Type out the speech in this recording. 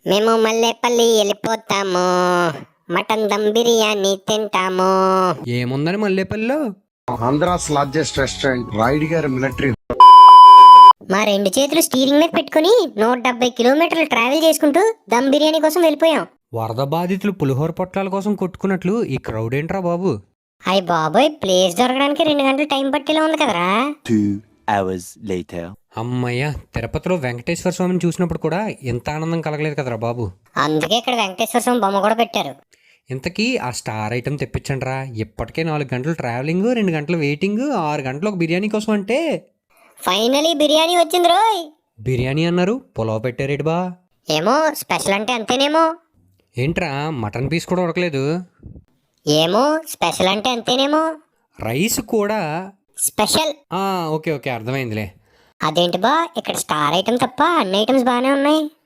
మేము మల్లేపల్లి వెళ్ళిపోతాము, మటన్ దమ్ బిర్యానీ తింటాము. ఏముందని మల్లేపల్లిలో? ఆంధ్రాస్ లార్జెస్ట్ రెస్టారెంట్ రాయుడు గారి మిలిటరీ. మా రెండు చేతులు స్టీరింగ్ మీద పెట్టుకుని 170 కిలోమీటర్లు ట్రావెల్ చేసుకుంటూ దమ్ బిర్యానీ కోసం వెళ్ళిపోయాం. వరద బాధితులు పులిహోర పొట్లాల కోసం కొట్టుకున్నట్లు ఈ క్రౌడ్ ఏంట్రా బాబు? అయ్య బాబోయ్, ప్లేస్ దొరకడానికి 2 గంటలు టైం పట్టేలా ఉంది కదరా. 2 hours later. అమ్మయ్య, తిరుపతిలో వెంకటేశ్వర స్వామిని చూసినప్పుడు కూడా ఇంత ఆనందం కలగలేదు కదరా బాబు. అందుకే ఇక్కడ వెంకటేశ్వర స్వామి బొమ్మ కూడా పెట్టారు. ఇంతకీ ఆ స్టార్ ఐటమ్ తెప్పించండి రా. ఇప్పటికే 4 గంటలు ట్రావెలింగ్, 2 గంటలు వెయిటింగ్, 6 గంటలు ఒక బిర్యానీ కోసం అంటే. ఫైనలీ బిర్యానీ వచ్చింది రోయ్. బిర్యానీ అన్నారు, పులావ్ పెట్టారేటి బా? ఏమో స్పెషల్ అంటే అంతేనేమో. ఏంట్రా మటన్ పీస్ కూడా ఉడకలేదు? ఏమో స్పెషల్ అంటే అంతేనేమో. రైస్ కూడా స్పెషల్. ఓకే ఓకే, అర్థమైందిలే. అదేంటి బా, ఇక్కడ స్టార్ ఐటమ్ తప్ప అన్ని ఐటమ్స్ బాగానే ఉన్నాయి.